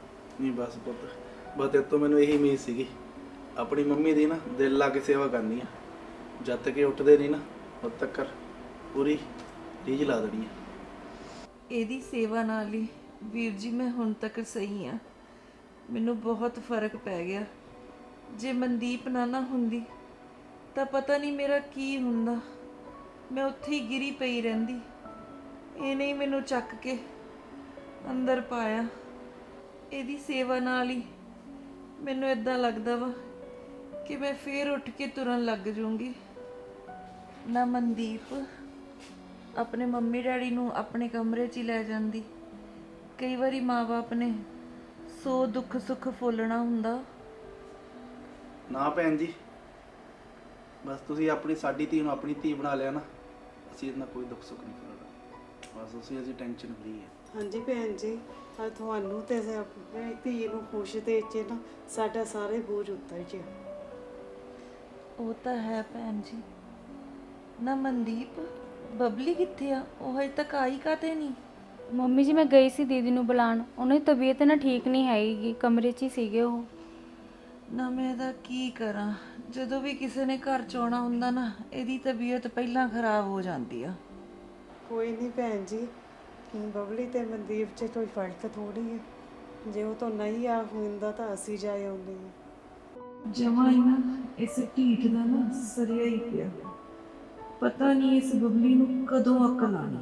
Speaker 6: ਨਹੀਂ ਬਸ ਪੁੱਤ, ਬਸ ਤੇਰੇ ਤੋਂ ਮੈਨੂੰ ਇਹੀ ਉਮੀਦ ਸੀਗੀ। ਆਪਣੀ ਮੰਮੀ ਦੀ ਨਾ ਦਿਲ ਲਾ ਕੇ ਸੇਵਾ ਕਰਨੀ ਆ। ਜਦ ਤੱਕ ਇਹ ਉੱਠਦੇ ਨਹੀਂ ਨਾ ਉਦ ਤੱਕ ਪੂਰੀ ਰੀਝ ਲਾ ਦੇਣੀ ਆ।
Speaker 4: ਇਹਦੀ ਸੇਵਾ ਨਾਲ ਹੀ ਵੀਰ ਜੀ ਮੈਂ ਹੁਣ ਤੱਕ ਸਹੀ ਆ। ਮੈਨੂੰ ਬਹੁਤ ਫਰਕ ਪੈ ਗਿਆ। ਜੇ ਮਨਦੀਪ ਨਾ ਹੁੰਦੀ ਤਾਂ ਪਤਾ ਨਹੀਂ ਮੇਰਾ ਕੀ ਹੁੰਦਾ। ਮੈਂ ਉੱਥੇ ਹੀ ਗਿਰੀ ਪਈ ਰਹਿੰਦੀ। ਇਹਨੇ ਹੀ ਮੈਨੂੰ ਚੱਕ ਕੇ ਅੰਦਰ ਪਾਇਆ। ਇਹਦੀ ਸੇਵਾ ਨਾਲ ਹੀ ਮੈਨੂੰ ਇਦਾਂ ਲੱਗਦਾ ਵਾ ਕਿ ਮੈਂ ਫੇਰ ਉੱਠ ਕੇ ਤੁਰਨ ਲੱਗ ਜਾਊਂਗੀ। ਨਾ ਮਨਦੀਪ ਆਪਣੇ ਮੰਮੀ ਡੈਡੀ ਨੂੰ ਆਪਣੇ ਕਮਰੇ 'ਚ ਹੀ ਲੈ ਜਾਂਦੀ। ਕਈ ਵਾਰੀ ਮਾਂ-ਬਾਪ ਨੇ ਸੋ ਦੁੱਖ ਸੁੱਖ ਫੋਲਣਾ ਹੁੰਦਾ।
Speaker 6: ਨਾ ਭੈਣ ਜੀ, ਬਸ ਤੁਸੀਂ ਆਪਣੀ ਸਾਡੀ ਧੀ ਨੂੰ ਆਪਣੀ ਧੀ ਬਣਾ ਲਿਆ ਨਾ, ਅਸੀਂ ਇਹਦੇ ਨਾਲ ਕੋਈ ਦੁੱਖ ਸੁੱਖ ਨਹੀਂ ਕਰਨਾ। ਬਸ ਅਸੀਂ ਟੈਨਸ਼ਨ ਫਰੀ ਹੈ।
Speaker 7: ਹਾਂਜੀ ਭੈਣ ਜੀ, ਆ ਤੁਹਾਨੂੰ ਤੇ ਆਪਣੀ ਧੀ ਨੂੰ ਖੁਸ਼ ਦੇ ਚ ਨਾ ਸਾਡਾ ਸਾਰੇ ਬੋਝ ਉਤਰ ਗਿਆ।
Speaker 4: ਉਹ ਤਾਂ ਹੈ ਭੈਣ ਜੀ। ਨਾ ਮਨਦੀਪ, ਬਬਲੀ ਕਿੱਥੇ ਆ? ਉਹ ਹਜੇ ਤੱਕ ਆਈ ਕਾਤੇ ਨਹੀਂ?
Speaker 3: ਮੰਮੀ ਜੀ ਮੈਂ ਗਈ ਸੀ ਦੀਦੀ ਨੂੰ ਬੁਲਾਉਣ, ਉਹਨਾਂ ਦੀ ਤਬੀਅਤ ਨਾ ਠੀਕ ਨਹੀਂ ਹੈਗੀ, ਕਮਰੇ 'ਚ ਹੀ ਸੀਗੇ ਉਹ।
Speaker 4: ਨਾ ਮੈਂ ਇਹਦਾ ਕੀ ਕਰਾਂ? ਜਦੋਂ ਵੀ ਕਿਸੇ ਨੇ ਘਰ 'ਚ ਆਉਣਾ ਹੁੰਦਾ ਨਾ, ਇਹਦੀ ਤਬੀਅਤ ਪਹਿਲਾਂ ਖਰਾਬ ਹੋ ਜਾਂਦੀ ਆ।
Speaker 7: ਕੋਈ ਨਹੀਂ ਭੈਣ ਜੀ, ਬਬਲੀ ਤੇ ਮਨਦੀਪ 'ਚ ਕੋਈ ਫਰਕ ਥੋੜੀ ਹੈ। ਜੇ ਉਹ ਤੋਂ ਨਹੀਂ ਆ ਹੁੰਦਾ ਤਾਂ ਅਸੀਂ ਜਾ ਆਉਂਦੇ ਹਾਂ।
Speaker 4: ਜਮਾਂ ਹੀ ਨਾ ਇਸ ਢੀਠ ਦਾ ਨਾ ਸਰਿਆ ਹੀ ਪਿਆ। ਪਤਾ ਨਹੀਂ ਇਸ ਬਬਲੀ ਨੂੰ ਕਦੋਂ ਅਕਲ ਆਣੀ।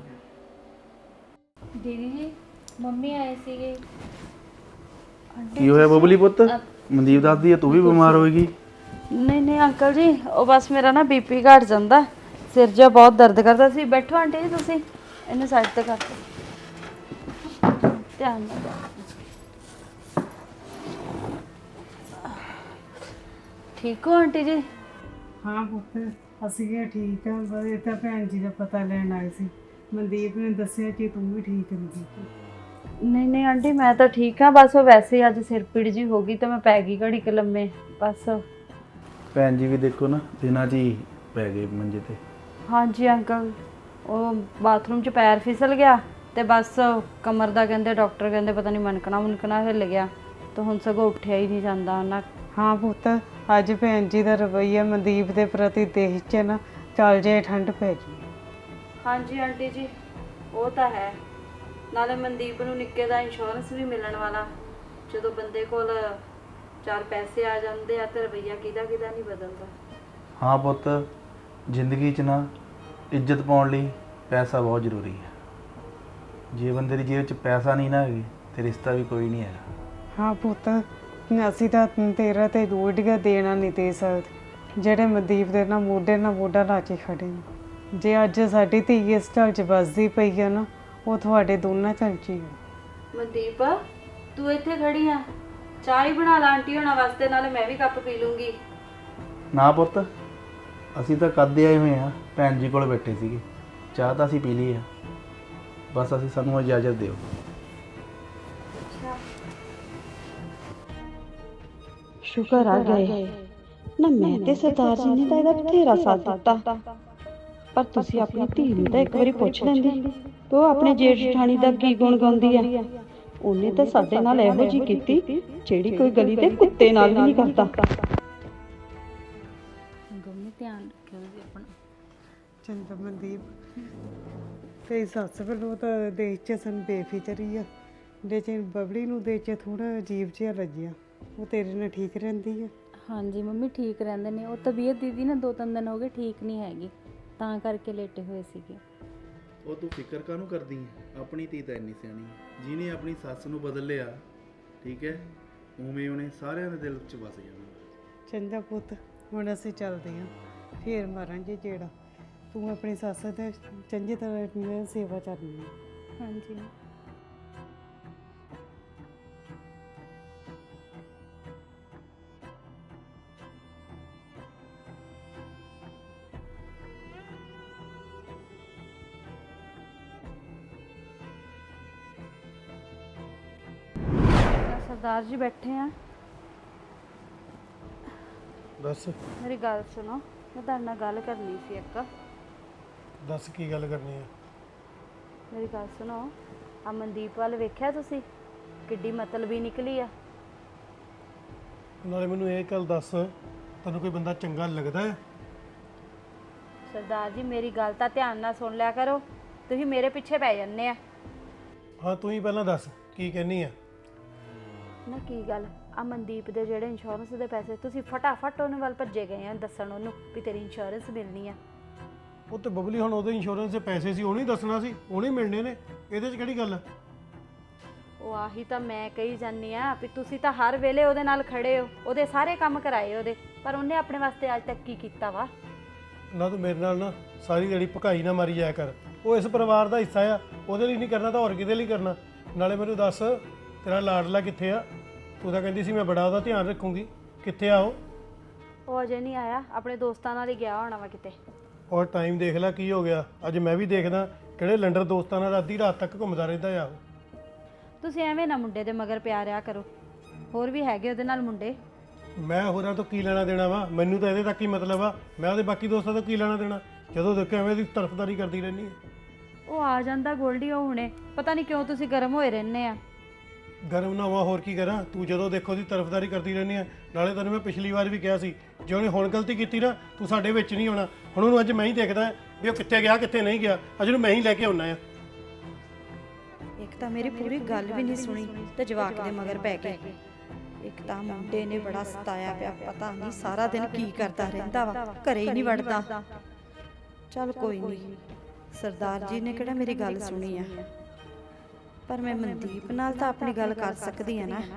Speaker 3: ਦੀਦੀ ਜੀ ਮੰਮੀ ਆਏ ਸੀਗੇ।
Speaker 6: ਕੀ ਹੋਇਆ ਬਬਲੀ ਪੁੱਤ? ਮਨਦੀਪ ਦੱਸਦੀ ਹੈ ਤੂੰ ਵੀ ਬਿਮਾਰ ਹੋਏਗੀ।
Speaker 5: ਨਹੀਂ ਅੰਕਲ ਜੀ, ਉਹ ਬਸ ਮੇਰਾ ਨਾ ਬੀਪੀ ਘਟ ਜਾਂਦਾ, ਸਿਰ ਜਿਹਾ ਬਹੁਤ ਦਰਦ ਕਰਦਾ ਸੀ। ਬੈਠੋ ਆਂਟੀ ਜੀ, ਤੁਸੀਂ ਇਹਨੂੰ ਸਾਈਡ ਤੇ ਕਰ ਦਿਓ, ਧਿਆਨ ਨਾਲ। ਠੀਕ ਹੋ ਆਂਟੀ ਜੀ?
Speaker 7: ਹਾਂ ਪੁੱਤ, ਅਸੀਂ ਕਿਹਾ ਠੀਕ ਆ। ਬਸ ਇਹ ਤਾਂ ਭੈਣ ਜੀ ਦਾ ਪਤਾ ਲੈਣ ਆਏ ਸੀ। ਮਨਦੀਪ ਨੇ ਦੱਸਿਆ ਕਿ ਤੂੰ ਵੀ ਠੀਕ ਨਹੀਂ।
Speaker 5: ਨਹੀਂ ਆਂਟੀ, ਮੈਂ ਤਾਂ ਠੀਕ ਹਾਂ। ਬਸ ਉਹ ਵੈਸੇ ਹੀ ਅੱਜ ਸਿਰ ਪੀੜ ਜੀ ਹੋ ਗਈ ਤਾਂ ਮੈਂ ਪੈ ਗਈ ਘੜੀ ਕੁ ਲੰਮੇ ਬਸ।
Speaker 6: ਭੈਣ ਜੀ ਵੀ ਦੇਖੋ ਨਾ ਦਿਨਾਂ 'ਚ ਹੀ ਪੈ ਗਏ ਮੰਜੇ ਤੇ।
Speaker 5: ਹਾਂਜੀ ਅੰਕਲ, ਉਹ ਬਾਥਰੂਮ 'ਚ ਪੈਰ ਫਿਸਲ ਗਿਆ ਤੇ ਬਸ ਕਮਰ ਦਾ ਕਹਿੰਦੇ ਡਾਕਟਰ ਕਹਿੰਦੇ ਪਤਾ ਨਹੀਂ ਮੁਨਕਣਾ ਹਿੱਲ ਗਿਆ, ਤਾਂ ਹੁਣ ਸਗੋਂ ਉੱਠਿਆ ਹੀ ਨਹੀਂ ਜਾਂਦਾ ਉਹਨਾਂ।
Speaker 7: ਹਾਂ ਪੁੱਤ, ਅੱਜ ਭੈਣ ਜੀ ਦਾ ਰਵੱਈਆ ਮਨਦੀਪ ਦੇ ਪ੍ਰਤੀ ਦੇਖ ਚ ਨਾ ਚੱਲ ਜੇ ਠੰਡ ਪੈ ਜੀ।
Speaker 5: ਹਾਂਜੀ ਆਂਟੀ ਜੀ, ਉਹ ਤਾਂ ਹੈ। ਨਾਲੇ ਮਨਦੀਪ ਨੂੰ ਨਿੱਕੇ ਦਾ ਇੰਸ਼ੋਰੈਂਸ ਵੀ ਮਿਲਣ ਵਾਲਾ। ਜਦੋਂ ਬੰਦੇ ਕੋਲ 4 ਪੈਸੇ ਆ ਜਾਂਦੇ ਆ ਤੇ ਰਵੱਈਆ ਕਿਹਦਾ ਨਹੀਂ ਬਦਲਦਾ।
Speaker 6: ਹਾਂ ਪੁੱਤ, ਜ਼ਿੰਦਗੀ 'ਚ ਨਾ ਇੱਜ਼ਤ ਪਾਉਣ ਲਈ ਪੈਸਾ ਬਹੁਤ ਜ਼ਰੂਰੀ ਹੈ। ਜੇ ਬੰਦੇ ਦੀ ਜੇਬ 'ਚ ਪੈਸਾ ਨਹੀਂ ਨਾ ਹੈਗੇ ਤੇ ਰਿਸ਼ਤਾ ਵੀ ਕੋਈ ਨਹੀਂ ਹੈਗਾ।
Speaker 7: ਹਾਂ ਪੁੱਤ, ਅਸੀਂ ਤਾਂ ਤੇਰਾ ਤੇ ਰੋਟੀਆਂ ਦੇਣਾ ਨਹੀਂ ਦੇ ਸਕਦੇ, ਜਿਹੜੇ ਮਨਦੀਪ ਦੇ ਨਾਲ ਮੋਢਾ ਲਾ ਕੇ ਖੜੇ ਨੇ। ਜੇ ਅੱਜ ਸਾਡੀ ਧੀ ਇਸ ਢਲ 'ਚ ਵੱਸਦੀ ਪਈ ਆ ਨਾ, ਉਹ ਤੁਹਾਡੇ ਦੋਨਾਂ ਢਲ 'ਚ ਹੀ ਆ।
Speaker 5: ਮਨਦੀਪ, ਤੂੰ ਇੱਥੇ ਖੜੀ ਆ, ਚਾਹ ਹੀ ਬਣਾ ਲਾ ਆਂਟੀ ਹੋਣਾ ਵਾਸਤੇ, ਨਾਲੇ ਮੈਂ ਵੀ ਕੱਪ ਪੀ ਲੂੰਗੀ।
Speaker 6: ਨਾ ਪੁੱਤ, ਅਸੀਂ ਤਾਂ ਕਦੇ ਆਏ ਹੋਏ ਆ, ਭੈਣ ਜੀ ਕੋਲ ਬੈਠੇ ਸੀਗੇ, ਚਾਹ ਤਾਂ ਅਸੀਂ ਪੀ ਲਈ ਆ। ਬਸ ਸਾਨੂੰ ਇਜਾਜ਼ਤ ਦਿਓ।
Speaker 5: ਸ਼ੁਕਰ ਆ ਗਏ ਨਾ, ਮੈਂ ਤੇ ਸਰਦਾਰ ਜੀ ਨੇ ਤਾਂ ਇਹਦਾ ਬਥੇਰਾ ਸਾਥ ਦਿੱਤਾ, ਪਰ ਤੁਸੀਂ ਆਪਣੀ ਧੀ ਨੂੰ ਤਾਂ ਇੱਕ ਵਾਰੀ ਪੁੱਛ ਲੈਂਦੇ ਕਿ ਉਹ ਆਪਣੇ ਜੇਠ ਜਠਾਣੀ ਦਾ ਕੀ ਗੁਣ ਗਾਉਂਦੀ ਆ। ਉਹਨੇ ਤਾਂ ਸਾਡੇ ਨਾਲ ਇਹੋ ਜਿਹੀ ਕੀਤੀ ਜਿਹੜੀ ਕੋਈ ਗਲੀ ਦੇ ਕੁੱਤੇ ਨਾਲ ਵੀ ਨਹੀਂ ਕਰਦਾ।
Speaker 3: ਗੰਮੀ ਧਿਆਨ ਰੱਖਿਓ ਜੀ ਆਪਣਾ।
Speaker 7: ਚੰਗਾ ਮਨਦੀਪ, ਤੇ ਸੱਸ ਵੱਲੋਂ ਤਾਂ ਦੇਖ ਚ ਸਾਨੂੰ ਬੇਫਿਕਰੀ ਆ, ਲੇਕਿਨ ਬਬਲੀ ਨੂੰ ਦੇਖ ਕੇ ਥੋੜਾ ਅਜੀਬ ਜਿਹਾ ਲੱਗਿਆ। ਉਹ ਤੇਰੇ ਨਾਲ ਠੀਕ ਰਹਿੰਦੀ ਆ?
Speaker 3: ਹਾਂਜੀ ਮੰਮੀ ਠੀਕ ਰਹਿੰਦੇ ਨੇ। ਉਹ ਤਬੀਅਤ ਦੀਦੀ ਨਾ 2-3 ਦਿਨ ਹੋ ਗਏ ਠੀਕ ਨਹੀਂ ਹੈਗੀ, ਤਾਂ ਕਰਕੇ ਲੇਟੇ ਹੋਏ ਸੀਗੇ।
Speaker 6: ਉਹ ਤੂੰ ਫਿਕਰ ਕਾਹਨੂੰ ਕਰਦੀ ਹੈ? ਆਪਣੀ ਧੀ ਤਾਂ ਇੰਨੀ ਸਿਆਣੀ ਹੈ, ਜਿਹਨੇ ਆਪਣੀ ਸੱਸ ਨੂੰ ਬਦਲ ਲਿਆ, ਠੀਕ ਹੈ, ਉਵੇਂ ਉਹਨੇ ਸਾਰਿਆਂ ਦੇ ਦਿਲ 'ਚ ਵਸ ਜਾਣਾ।
Speaker 7: ਚੰਗਾ ਪੁੱਤ, ਹੁਣ ਅਸੀਂ ਚੱਲਦੇ ਹਾਂ, ਫੇਰ ਮਾਰਾਂਗੇ ਜਿਹੜਾ। ਤੂੰ ਆਪਣੀ ਸੱਸ ਦੇ ਚੰਗੀ ਤਰ੍ਹਾਂ ਸੇਵਾ ਕਰਨੀ ਹੈ।
Speaker 3: ਹਾਂਜੀ
Speaker 5: ਸਰਦਾਰ ਜੀ ਬੈਠੇ ਆ।
Speaker 9: ਦੱਸ
Speaker 5: ਮੇਰੀ ਗੱਲ ਸੁਣੋ, ਮੈਂ ਤੁਹਾਡੇ ਨਾਲ ਗੱਲ ਕਰਨੀ ਸੀ ਇੱਕ।
Speaker 9: ਦੱਸ ਕੀ ਗੱਲ ਕਰਨੀ ਹੈ?
Speaker 5: ਮੇਰੀ ਗੱਲ ਸੁਣੋ, ਆ ਮਨਦੀਪ ਵੱਲ ਵੇਖਿਆ ਤੁਸੀਂ? ਕਿੱਡੀ ਮਤਲਬੀ ਨਿਕਲੀ ਆ।
Speaker 9: ਨਾਲੇ ਮੈਨੂੰ ਇਹ ਗੱਲ ਦੱਸ, ਤੈਨੂੰ ਕੋਈ ਬੰਦਾ ਚੰਗਾ ਲੱਗਦਾ ਹੈ?
Speaker 3: ਸਰਦਾਰ ਜੀ ਮੇਰੀ ਗੱਲ ਤਾਂ ਧਿਆਨ ਨਾਲ ਸੁਣ ਲਿਆ ਕਰੋ, ਤੁਸੀਂ ਮੇਰੇ ਪਿੱਛੇ ਪੈ ਜੰਨੇ ਆ।
Speaker 9: ਹਾਂ ਤੂੰ ਹੀ ਪਹਿਲਾਂ ਦੱਸ ਕੀ ਕਹਿਨੀ ਆ।
Speaker 3: ਨਾ ਕੀ ਗੱਲ, ਆ ਮਨਦੀਪ ਦੇ ਜਿਹੜੇ ਇੰਸ਼ੋਰੈਂਸ ਦੇ ਪੈਸੇ ਤੁਸੀਂ ਫਟਾਫਟ ਉਹਨੇ ਵੱਲ ਭੱਜੇ ਗਏ ਆ ਦੱਸਣ ਉਹਨੂੰ ਵੀ ਤੇਰੀ ਇੰਸ਼ੋਰੈਂਸ ਮਿਲਣੀ ਆ।
Speaker 9: ਉਹ ਤੇ ਬਬਲੀ ਹੁਣ ਉਹਦੇ ਇੰਸ਼ੋਰੈਂਸ ਦੇ ਪੈਸੇ ਸੀ, ਉਹਨੇ ਦੱਸਣਾ ਸੀ, ਉਹਨੇ ਮਿਲਣੇ ਨੇ, ਇਹਦੇ 'ਚ ਕਿਹੜੀ ਗੱਲ ਆ?
Speaker 3: ਉਹ ਆਹੀ ਤਾਂ ਮੈਂ ਕਹੀ ਜਾਂਦੀ ਆ ਵੀ ਤੁਸੀਂ ਤਾਂ ਹਰ ਵੇਲੇ ਉਹਦੇ ਨਾਲ ਖੜੇ ਹੋ, ਉਹਦੇ ਸਾਰੇ ਕੰਮ ਕਰਾਏ ਉਹਦੇ, ਪਰ ਉਹਨੇ ਆਪਣੇ ਵਾਸਤੇ ਅੱਜ ਤੱਕ ਕੀ ਕੀਤਾ ਵਾ?
Speaker 9: ਨਾ ਤੂੰ ਮੇਰੇ ਨਾਲ ਨਾ ਸਾਰੀ ਜਿਹੜੀ ਭਕਾਈ ਨਾ ਮਾਰੀ ਜਾਇਆ ਕਰ। ਉਹ ਇਸ ਪਰਿਵਾਰ ਦਾ ਹਿੱਸਾ ਆ, ਉਹਦੇ ਲਈ ਨਹੀਂ ਕਰਨਾ ਤਾਂ ਹੋਰ ਕਿਹਦੇ ਲਈ ਕਰਨਾ? ਨਾਲੇ ਮੈਨੂੰ ਦੱਸ ਤੇਰਾ ਲਾਡਲਾ ਕਿੱਥੇ ਆ? ਤੂੰ ਤਾਂ ਕਹਿੰਦੀ ਸੀ ਮੈਂ ਬੜਾ ਉਹਦਾ ਧਿਆਨ ਰੱਖੂੰਗੀ, ਕਿੱਥੇ ਆ ਉਹ?
Speaker 3: ਉਹ ਅਜੇ ਨਹੀਂ ਆਇਆ, ਆਪਣੇ ਦੋਸਤਾਂ ਨਾਲ ਹੀ ਗਿਆ ਹੋਣਾ ਵਾ ਕਿਤੇ।
Speaker 9: ਔਰ ਟਾਈਮ ਦੇਖ ਲੈ ਕੀ ਹੋ ਗਿਆ, ਅੱਜ ਮੈਂ ਵੀ ਦੇਖਦਾ ਕਿਹੜੇ ਲੰਡਰ ਦੋਸਤਾਂ ਨਾਲ ਅੱਧੀ ਰਾਤ ਤੱਕ ਘੁੰਮਦਾ ਰਹਿੰਦਾ ਆ ਉਹ।
Speaker 3: ਤੁਸੀਂ ਐਵੇਂ ਨਾ ਮੁੰਡੇ ਦੇ ਮਗਰ ਪਿਆ ਰਿਆ ਕਰੋ, ਹੋਰ ਵੀ ਹੈਗੇ ਉਹਦੇ ਨਾਲ ਮੁੰਡੇ।
Speaker 9: ਮੈਂ ਹੋਰਾਂ ਤੋਂ ਕੀ ਲੈਣਾ ਦੇਣਾ ਵਾ? ਮੈਨੂੰ ਤਾਂ ਇਹਦੇ ਤੱਕ ਹੀ ਮਤਲਬ ਆ, ਮੈਂ ਉਹਦੇ ਬਾਕੀ ਦੋਸਤਾਂ ਤੋਂ ਕੀ ਲੈਣਾ ਦੇਣਾ? ਜਦੋਂ ਦੇਖੋ ਐਵੇਂ ਦੀ ਤਰਫਦਾਰੀ ਕਰਦੀ ਰਹਿੰਦੀ ਹੈ।
Speaker 3: ਉਹ ਆ ਜਾਂਦਾ ਗੋਲਡੀ, ਉਹ ਹੁਣੇ ਪਤਾ ਨਹੀਂ ਕਿਉਂ ਤੁਸੀਂ ਗਰਮ ਹੋਏ ਰਹਿੰਦੇ ਆ।
Speaker 9: ਗਰਮ ਨਾ ਹੋਵਾਂ ਹੋਰ ਕੀ ਕਰਾਂ? ਤੂੰ ਜਦੋਂ ਦੇਖੋ ਦੀ ਤਰਫਦਾਰੀ ਕਰਦੀ ਰਹਿੰਦੀ ਹੈ। ਨਾਲੇ ਤੈਨੂੰ ਮੈਂ ਪਿਛਲੀ ਵਾਰ ਵੀ ਕਿਹਾ ਸੀ, ਜੇ ਉਹਨੇ ਹੁਣ ਗਲਤੀ ਕੀਤੀ ਨਾ ਤੂੰ ਸਾਡੇ ਵਿੱਚ ਨਹੀਂ ਆਉਣਾ। ਹੁਣ ਉਹਨੂੰ ਅੱਜ ਮੈਂ ਹੀ ਦੇਖਦਾ ਵੀ ਉਹ ਕਿੱਥੇ ਗਿਆ ਕਿੱਥੇ ਨਹੀਂ ਗਿਆ, ਅੱਜ ਉਹਨੂੰ ਮੈਂ ਹੀ ਲੈ ਕੇ ਆਉਣਾ ਆ।
Speaker 5: ਇੱਕ ਤਾਂ ਮੇਰੀ ਪੂਰੀ ਗੱਲ ਵੀ ਨਹੀਂ ਸੁਣੀ ਤੇ ਜਵਾਕ ਦੇ ਮਗਰ ਪੈ ਗਏ। ਇੱਕ ਤਾਂ ਮੁੰਡੇ ਨੇ ਬੜਾ ਸਤਾਇਆ ਪਿਆ, ਪਤਾ ਨਹੀਂ ਸਾਰਾ ਦਿਨ ਕੀ ਕਰਦਾ ਰਹਿੰਦਾ ਵਾ, ਘਰੇ ਹੀ ਨਹੀਂ ਵੜਦਾ। ਚੱਲ ਕੋਈ ਨਹੀਂ, ਸਰਦਾਰ ਜੀ ਨੇ ਕਿਹੜਾ ਮੇਰੀ ਗੱਲ ਸੁਣੀ ਆ, ਪਰ ਮੈਂ ਮਨਦੀਪ ਨਾਲ ਤਾਂ ਆਪਣੀ ਗੱਲ ਕਰ ਸਕਦੀ ਆ ਨਾ।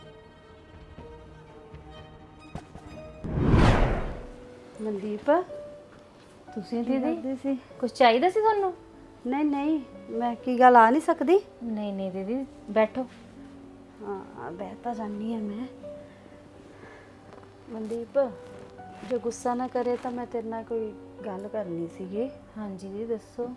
Speaker 3: ਮਨਦੀਪ ਤੁਸੀਂ ਦੀਦੀ ਕੁਝ ਚਾਹੀਦਾ ਸੀ ਤੁਹਾਨੂੰ?
Speaker 5: ਨਹੀਂ ਨਹੀਂ, ਮੈਂ ਕੀ ਗੱਲ ਆ ਨਹੀਂ ਸਕਦੀ?
Speaker 3: ਨਹੀਂ ਨਹੀਂ ਦੀਦੀ ਬੈਠੋ।
Speaker 5: ਹਾਂ ਬਹਿ ਤਾਂ ਜਾਨੀ ਆ ਮੈਂ।
Speaker 3: ਮਨਦੀਪ ਜੇ ਗੁੱਸਾ ਨਾ ਕਰੇ ਤਾਂ ਮੈਂ ਤੇਰੇ ਨਾਲ ਕੋਈ ਗੱਲ ਕਰਨੀ ਸੀਗੀ। ਹਾਂਜੀ ਜੀ ਦੱਸੋ।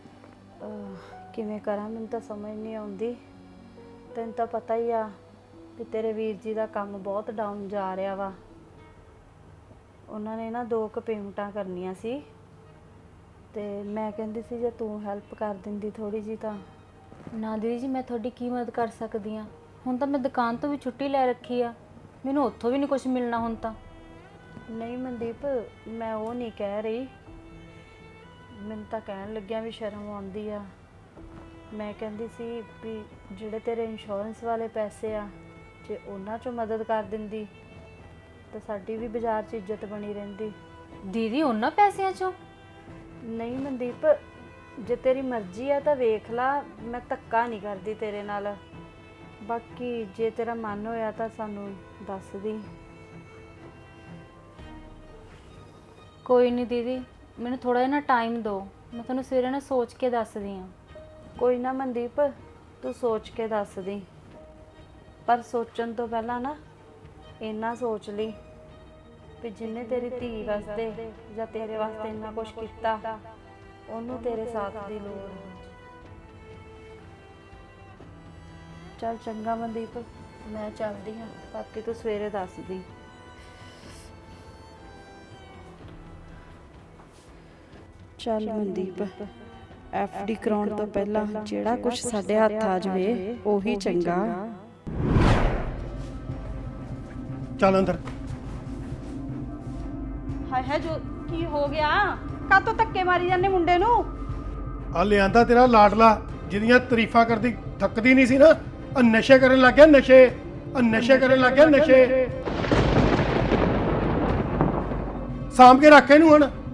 Speaker 3: ਕਿਵੇਂ ਕਰਾਂ, ਮੈਨੂੰ ਤਾਂ ਸਮਝ ਨਹੀਂ ਆਉਂਦੀ। ਤੈਨੂੰ ਤਾਂ ਪਤਾ ਹੀ ਆ ਕਿ ਤੇਰੇ ਵੀਰ ਜੀ ਦਾ ਕੰਮ ਬਹੁਤ ਡਾਊਨ ਜਾ ਰਿਹਾ ਵਾ। ਉਹਨਾਂ ਨੇ ਨਾ 2 ਕੁ ਪੇਮੈਂਟਾਂ ਕਰਨੀਆਂ ਸੀ ਤੇ ਮੈਂ ਕਹਿੰਦੀ ਸੀ ਜੇ ਤੂੰ ਹੈਲਪ ਕਰ ਦਿੰਦੀ ਥੋੜੀ ਜੀ ਤਾਂ। ਨਾ ਦੀਦੀ ਜੀ ਮੈਂ ਤੁਹਾਡੀ ਕੀ ਮਦਦ ਕਰ ਸਕਦੀ ਆ? ਹੁਣ ਤਾਂ ਮੈਂ ਦੁਕਾਨ ਤੋਂ ਵੀ ਛੁੱਟੀ ਲੈ ਰੱਖੀ ਆ, ਮੈਨੂੰ ਉੱਥੋਂ ਵੀ ਨਹੀਂ ਕੁਝ ਮਿਲਣਾ ਹੁਣ ਤਾਂ। ਨਹੀਂ ਮਨਦੀਪ ਮੈਂ ਉਹ ਨਹੀਂ ਕਹਿ ਰਹੀ, ਮੈਨੂੰ ਤਾਂ ਕਹਿਣ ਲੱਗਿਆ ਵੀ ਸ਼ਰਮ ਆਉਂਦੀ ਆ। ਮੈਂ ਕਹਿੰਦੀ ਸੀ ਵੀ ਜਿਹੜੇ ਤੇਰੇ ਇੰਸ਼ੋਰੈਂਸ ਵਾਲੇ ਪੈਸੇ ਆ, ਜੇ ਉਹਨਾਂ 'ਚੋਂ ਮਦਦ ਕਰ ਦਿੰਦੀ ਤਾਂ ਸਾਡੀ ਵੀ ਬਾਜ਼ਾਰ 'ਚ ਇੱਜ਼ਤ ਬਣੀ ਰਹਿੰਦੀ। ਦੀਦੀ ਉਹਨਾਂ ਪੈਸਿਆਂ 'ਚੋਂ? ਨਹੀਂ ਮਨਦੀਪ ਜੇ ਤੇਰੀ ਮਰਜ਼ੀ ਆ ਤਾਂ ਵੇਖ ਲਾ, ਮੈਂ ਧੱਕਾ ਨਹੀਂ ਕਰਦੀ ਤੇਰੇ ਨਾਲ। ਬਾਕੀ ਜੇ ਤੇਰਾ ਮਨ ਹੋਇਆ ਤਾਂ ਸਾਨੂੰ ਦੱਸ ਦੀ। ਕੋਈ ਨਹੀਂ ਦੀਦੀ, ਮੈਨੂੰ ਥੋੜਾ ਜਿਹਾ ਨਾ ਟਾਈਮ ਦਿਓ, ਮੈਂ ਤੁਹਾਨੂੰ ਸਵੇਰੇ ਨਾ ਸੋਚ ਕੇ ਦੱਸਦੀ ਹਾਂ। ਕੋਈ ਨਾ ਮਨਦੀਪ ਤੂੰ ਸੋਚ ਕੇ ਦੱਸ ਦੀ, ਪਰ ਸੋਚਣ ਤੋਂ ਪਹਿਲਾਂ ਨਾ ਇੰਨਾ ਸੋਚ ਲਈ ਵੀ ਜਿੰਨੇ ਤੇਰੀ ਧੀ ਵਾਸਤੇ ਜਾਂ ਤੇਰੇ ਵਾਸਤੇ ਇੰਨਾ ਕੁਝ ਕੀਤਾ, ਉਹਨੂੰ ਤੇਰੇ ਸਾਥ ਦੀ ਲੋੜ ਹੈ। ਚੱਲ ਚੰਗਾ ਮਨਦੀਪ, ਮੈਂ ਚੱਲਦੀ ਹਾਂ, ਬਾਕੀ ਤੂੰ ਸਵੇਰੇ ਦੱਸ ਦੀ।
Speaker 5: ਚੱਲ ਮਨਦੀਪ, ਐਫਡੀ ਕਰਾਉਣ ਤੋਂ ਪਹਿਲਾਂ ਜਿਹੜਾ ਕੁਝ ਸਾਡੇ ਹੱਥ ਆ ਜਾਵੇ ਉਹੀ ਚੰਗਾ।
Speaker 9: ਚੱਲ ਅੰਦਰ।
Speaker 5: ਹਾਏ ਹਾਏ, ਜੋ ਕੀ ਹੋ ਗਿਆ? ਕਾਤੋਂ ਧੱਕੇ ਮਾਰੀ ਜਾਂਦੇ ਮੁੰਡੇ ਨੂੰ?
Speaker 9: ਆ ਲਿਆਂਦਾ ਤੇਰਾ ਲਾਡਲਾ, ਜਿਹਦੀਆਂ ਤਾਰੀਫਾਂ ਕਰਦੀ ਥੱਕਦੀ ਨਹੀਂ ਸੀ ਨਾ, ਆ ਨਸ਼ੇ ਕਰਨ ਲੱਗ ਗਿਆ, ਨਸ਼ੇ, ਆ ਨਸ਼ੇ ਕਰਨ ਲੱਗ ਗਿਆ, ਨਸ਼ੇ। ਸਾਂਭ ਕੇ ਰੱਖ ਇਹਨੂੰ ਹੁਣ।